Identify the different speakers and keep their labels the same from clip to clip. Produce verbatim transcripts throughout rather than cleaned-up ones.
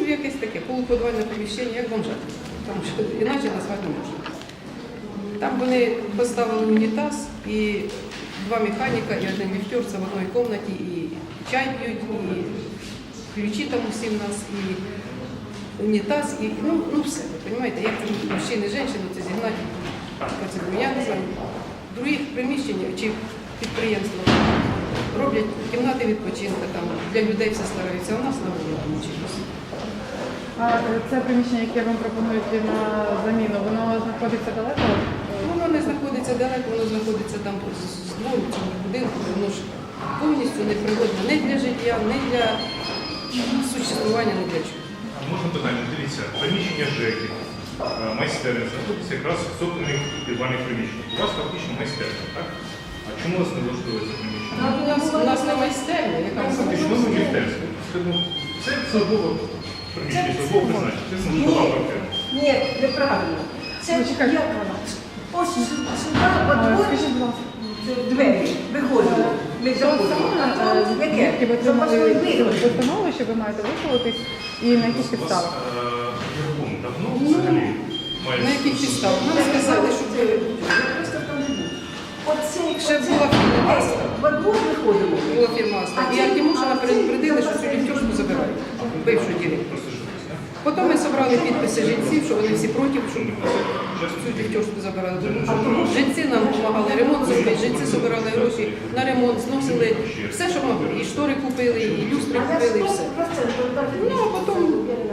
Speaker 1: якесь таке полуподвальне приміщення, як бомжат. Тому що іначе назвати не можна. Там вони поставили унітаз і два механіка, і один ліфтер, це в одній кімнаті, і чай п'ють, і ключі там усі в нас, і унітаз, і ну, ну все, ви розумієте, як мужчини і жінки, це зігнати, це, я не знаю, в других приміщеннях чи підприємства роблять кімнати відпочинку, там для людей все стараються, а у нас на вулиці чимось.
Speaker 2: А це приміщення, яке вам пропонують на заміну, воно знаходиться далеко?
Speaker 1: Воно не знаходиться далеко, воно знаходиться там з двору цього будинку, воно ж повністю непригодне не для життя, не для существування, не для чого.
Speaker 3: Можна питання, дивіться, приміщення ЖЕКи, майстерня, знаходиться якраз в цокольних підвальних приміщеннях. У вас фактично майстерня, так? А чому вас не влаштовує це приміщення?
Speaker 1: У нас, у нас не майстерня, яка
Speaker 3: Фактично міністерство. Це службове приміщення, службове призначення, це службова квартира.
Speaker 4: Ні, неправильно. Це
Speaker 2: Ну, чекайте.
Speaker 4: як вона? Ось сюди,
Speaker 2: А,
Speaker 4: во двор,
Speaker 2: Скажіть, будь ласка,
Speaker 4: двері, виходимо. Ми заходимо. А
Speaker 2: саме,
Speaker 4: то
Speaker 2: звідки
Speaker 4: яке?
Speaker 2: ви
Speaker 4: Запасний
Speaker 2: отримали
Speaker 4: виход.
Speaker 2: постанову, що ви маєте висловитись, і на яких підставах?
Speaker 3: Ярком давно взагалі має...
Speaker 1: На яких підставах? Нам сказали, що ви...
Speaker 4: Просто там не було. Оце,
Speaker 1: Ще була фірма «Аста».
Speaker 4: во двор виходимо.
Speaker 1: Була фірма «Аста». І Артемушина предупредили, що цю ліфтюшку забирають, бившу директор. Потім ми зібрали підписи жінців, що вони всі проти, щоб цю ліфтюшку забирали. Тому що жінці нам допомагали ремонт зробити, жінці збирали гроші на ремонт, зносили все, що могли. І штори купили, і люстри купили, і все. Ну, а потім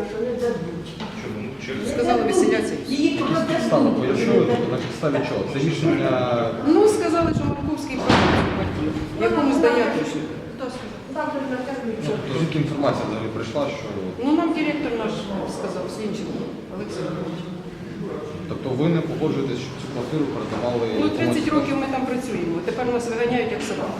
Speaker 1: сказали веселяться.
Speaker 4: Її
Speaker 5: Підстава пояснили, тобто на підставі чого? Це рішення,
Speaker 1: Ну, сказали, що Марковський продав квартиру, якому здає точно.
Speaker 5: ну, звідки інформація взагалі прийшла, що...
Speaker 1: Ну, нам директор наш сказав, Слінченко, Олексій Павлович.
Speaker 5: Тобто ви не погоджуєтесь, щоб цю квартиру передавали...
Speaker 1: Ну, тридцять років ми там працюємо, тепер нас виганяють як собак.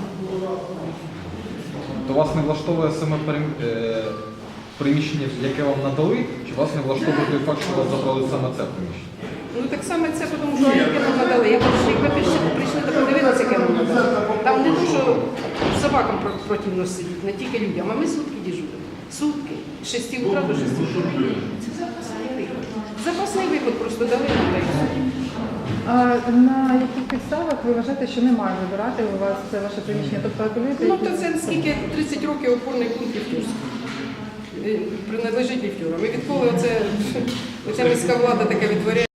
Speaker 5: То вас не влаштовує саме перем- е, приміщення, яке вам надали, чи вас не влаштовує той факт, що вас забрали саме це приміщення?
Speaker 1: Ну, так саме це, тому що яке нам надали. Я бачу, якби прийшли, прийшли та подивилися, яке нам надали. Там не то, що собакам про- противно сидіти, не тільки людям, а ми сутки дежуримо. Сутки. З шести утра до шести утра. Це запасний виход. Запасний виход просто дали нам та й все.
Speaker 2: А на яких підставах ви вважаєте, що не має забирати у вас це ваше приміщення? Тобто апелюєте?
Speaker 1: Ну, то це скільки тридцять років опорний пункт ліфтюрський. Принадлежить ліфтюрам. І відколи оце, оця міська влада таке відтворяє.